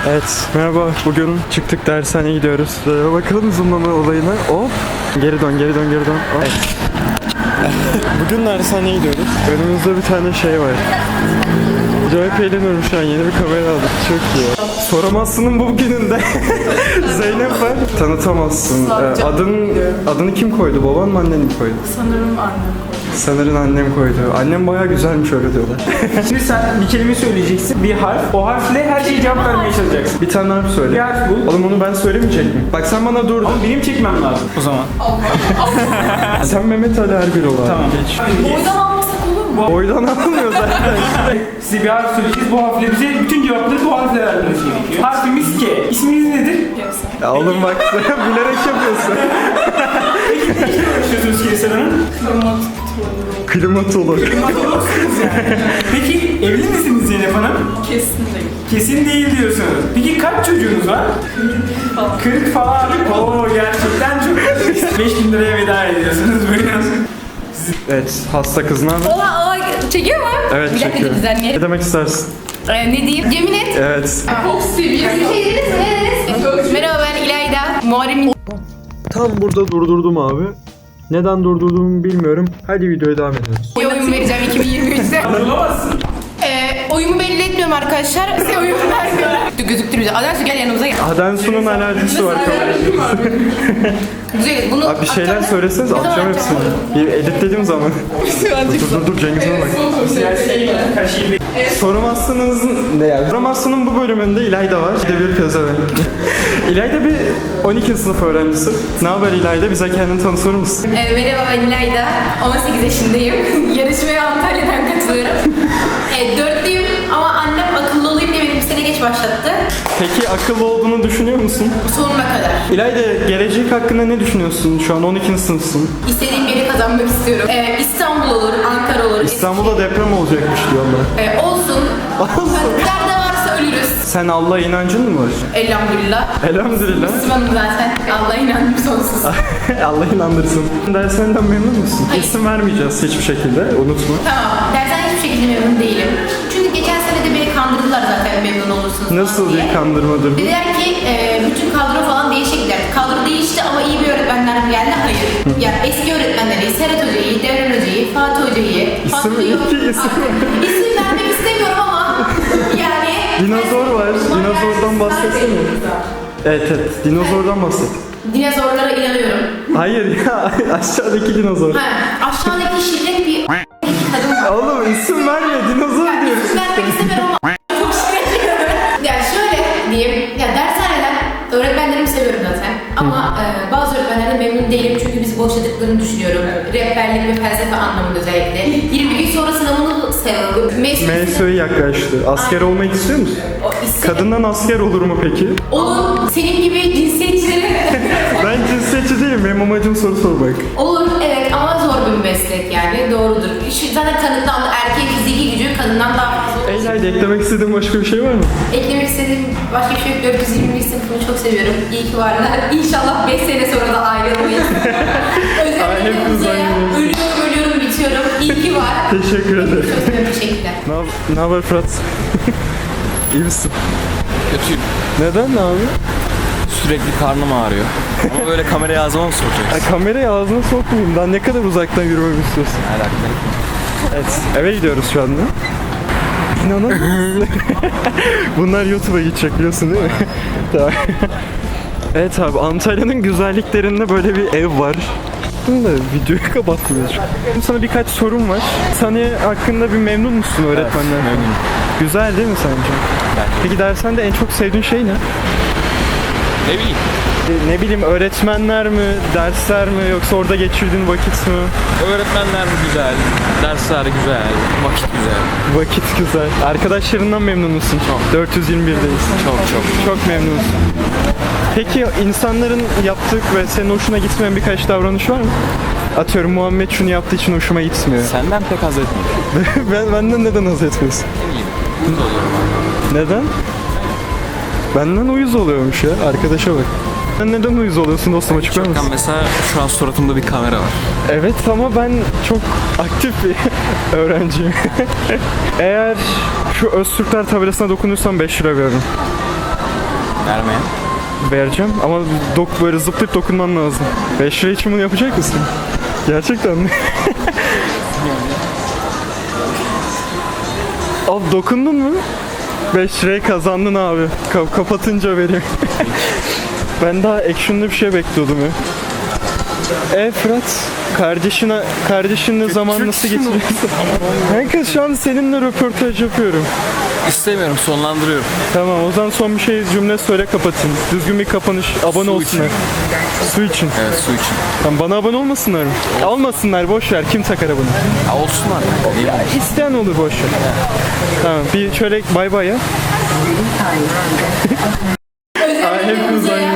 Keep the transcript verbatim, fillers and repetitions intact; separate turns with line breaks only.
Evet, merhaba. Bugün çıktık dershaneye gidiyoruz. Ee, bakalım zoomlama olayına. Hop. Geri dön, geri dön, geri dön. Hop. Evet. Bugün dershaneye gidiyoruz. Önümüzde bir tane şey var. Acayip eğleniyorum şu an. Yeni bir kamera aldık. Çok iyi. Soramazsın'ın bu gününde Zeynep var. Tanıtamazsın. Ee, adın, adını kim koydu? Baban mı, annen mi koydu?
Sanırım annem koydu.
Sanırım annem koydu. Annem bayağı güzelmiş, öyle diyorlar.
Şimdi sen bir kelime söyleyeceksin, bir harf. O harfle her şeyi cevap vermeye çalışacaksın.
Bir tane harf söyle.
Bir harf bul.
Oğlum onu ben söylemeyecek miyim? Bak sen bana dur.
Ama benim çekmem lazım o zaman.
Sen Mehmet Ali Erbil ol abi.
Tamam.
Geç.
Boydan almasak olur mu?
Boydan almıyor zaten.
Size bir harf söyleyeceğiz. Bu harfle bize bütün cevapları bu harfle vermeniz gerekiyor. Harfimiz K. İsminiz nedir?
Ya oğlum bak sen bilerek yapıyorsun.
Konuşuyorsunuz Kevser Hanım.
Klimatolog.
Peki evli misiniz Zeynep Hanım?
Kesin değil.
Kesin değil diyorsunuz. Peki kaç çocuğunuz var? kırk falan. Oo gerçekten çok. beş bin liraya veda ediyorsunuz. Buyurun.
Evet, hasta kız ne haber?
Ola ola çekiyor mu?
Evet,
Bir dakika
çekiyor. Ne
düzenleyelim.
demek istersin?
Ee, ne diyeyim? Yemin et.
Evet.
Çok seviyorum. Bir şey dediniz mi? Ne dediniz? Merhaba ben İlayda. Muharrem'in
Tam burada durdurdum abi. Neden durdurduğumu bilmiyorum. Hadi videoya devam ediyoruz.
oyun vereceğim iki bin yirmi üçte.
Bulamazsın.
Ee, oyumu belli etmiyorum arkadaşlar. Size oyun vermiyorum. Gözüktür bize. Adansu gel yanımıza gel.
Adensu'nun alerjisi var.
Güzel. Bunu
Abi bir şeyler
atacağım.
söyleseniz
Ne zaman
atacağım hepsini. Bir editlediğim zaman. dur dur dur Cengiz'e bak.
Her şeyi bekliyorum.
Soramazsınız ne yani? Soramazsın'ın bu bölümünde İlayda var. Bir de bir pezevenk. İlayda bir on ikinci sınıf öğrencisi. Ne haber İlayda? Bize kendini tanıtır mısın?
Ee, merhaba ben İlayda. on sekiz yaşındayım. Yarışmaya Antalya'dan katılıyorum. ee, dörtlüyüm ama annem akıllı olayım diye beni bir sene geç başlattı.
Peki akıllı olduğunu düşünüyor musun?
Sonuna kadar.
İlayda gelecek hakkında ne düşünüyorsun? Şu an on ikinci sınıfsın.
İstediğim yeri kazanmak istiyorum. Ee, İstanbul olur, Ankara olur.
İstanbul'da deprem olacakmış diyorlar.
Ee, olsun. Nerede varsa ölürüz.
Sen Allah'a inancın mı var?
Elhamdülillah.
Elhamdülillah.
Müslümanım zaten. Allah'a inandım sonsuz.
Allah inandırsın. Derslerinden memnun musun?
Hayır.
İsim vermeyeceğiz hiçbir şekilde. Unutma.
Tamam. Dersen hiçbir şekilde memnun değilim. Çünkü geçen sene de beni kandırdılar zaten memnun olursunuz
Nasıl
falan diye.
bir kandırmadır bu?
Dediler ki e, bütün kadro falan değişecekler. Kadro değişti ama iyi bir öğretmenler mi geldi? Hayır. Ya eski öğretmenleri, Serhat Hoca'yı, Devran Hoca'yı, Fatih Hoca'yı.
İsim-
Fatih yok.
iki isim var.
İsim vermek istemiyorum ama yani.
Dinozor var. Dinozordan bahsetsene. Evet evet. Dinozordan bahset.
Dinozorlara inanıyorum.
Hayır ya. Aşağıdaki dinozor.
Ha, aşağıdaki şirret bir kadın var.
Oğlum isim verme. Dinozor
Yani
diyoruz.
isim vermek istemiyorum ama çok şirretli. Yani şöyle diyeyim. Ya dershaneden öğretmenlerimi seviyorum zaten. Ama e, bazı öğretmenlerden memnun değilim çünkü bizi boşladıklarını düşünüyorum. Rehberlik ve felsefe anlamında özellikle. yirmi gün sonra sınavını seviyorum.
M S O'ya yaklaştı. Asker olmak istiyor musun?
O isim.
Kadından asker olur mu peki?
Olur. Senin gibi cinsiyetçileri.
Ben cinsiyetçi değilim. Benim amacım soru sormak.
Olur evet ama zor bir meslek yani doğrudur. Şu, zaten kadından erkeğin fiziki gücü kadından daha fazla.
Eyla'yla eklemek istediğin başka bir şey var mı?
Eklemek istediğim başka bir şey yok. dört yüz yirmi bir sınıfını çok seviyorum. İyi ki varlar. İnşallah beş sene sonra da ayrılmayız.
Ay,
Özellikle
hepimiz
Kuzey'e
ayrılıyoruz.
ölüyorum ölüyorum bitiyorum. İyi ki var.
Teşekkür ederim.
Çok seviyorum. Teşekkürler.
Ne, hab- ne haber Fırat? İyi misin?
Kötüyüm.
Neden ne abi?
Sürekli karnım ağrıyor. Ama böyle kameraya ağzıma mı sokacaksın?
Ya kamerayı ağzına sokmayayım. Daha ne kadar uzaktan yürümemi istiyorsun?
Ne alaka?
Evet. Eve gidiyoruz şu anda. İnanamıyor musun? Bunlar YouTube'a gidecek biliyorsun değil mi? Tamam. Evet abi, Antalya'nın güzelliklerinde böyle bir ev var. Bunu da videoyu kapatmıyoruz. Şimdi sana birkaç sorum var. Saniye hakkında bir memnun musun öğretmenler?
Evet, memnunum.
Güzel değil mi sence?
Bence.
Peki dersende en çok sevdiğin şey ne?
Ne bileyim.
E, Ne bileyim, öğretmenler mi, dersler mi, yoksa orada geçirdiğin vakit mi?
Öğretmenler güzel, dersler güzel, vakit güzel.
Vakit güzel. Arkadaşlarından memnun musun?
Çok.
dört yüz yirmi birdeyiz.
Çok çok.
Çok memnunsun. Peki insanların yaptık ve senin hoşuna gitmeyen birkaç davranış var mı? Atıyorum Muhammed şunu yaptığı için hoşuma gitmiyor.
Senden pek haz etmiyorum.
ben benden neden haz etmiyorsun?
Ne bileyim. Mutlu oluyorum abi.
Neden? Benden uyuz oluyormuş ya. Arkadaşa bak. Sen neden uyuz oluyorsun dostum, açıklar
Çoktan
mısın?
mesela şu an suratımda bir kamera var.
Evet ama ben çok aktif bir öğrenciyim. Eğer şu Öztürkler tabelasına dokunursam beş lira veririm.
Vermeyen.
Vereceğim ama dok böyle zıplayıp dokunman lazım. beş lira için bunu yapacak mısın? Gerçekten mi? Abi dokundun mu? beş lirayı kazandın abi. Ka- kapatınca vereyim. Ben daha action'lı bir şey bekliyordum ya. E Fırat, kardeşine, kardeşinle zaman nasıl geçiriyorsun? Kanka şu an seninle röportaj yapıyorum.
İstemiyorum, sonlandırıyorum.
Tamam, o zaman son bir şey cümle söyle kapatayım. Düzgün bir kapanış, abone
Su
olsunlar. Su için.
Evet, su için.
Tamam, bana abone olmasınlar mı? Olmasınlar, boş ver. Kim takar abone?
Ya olsunlar. Değil mi?
İsteyen olur, boş ver. Tamam, bir şöyle bay bay ya. Aa, hep uzay.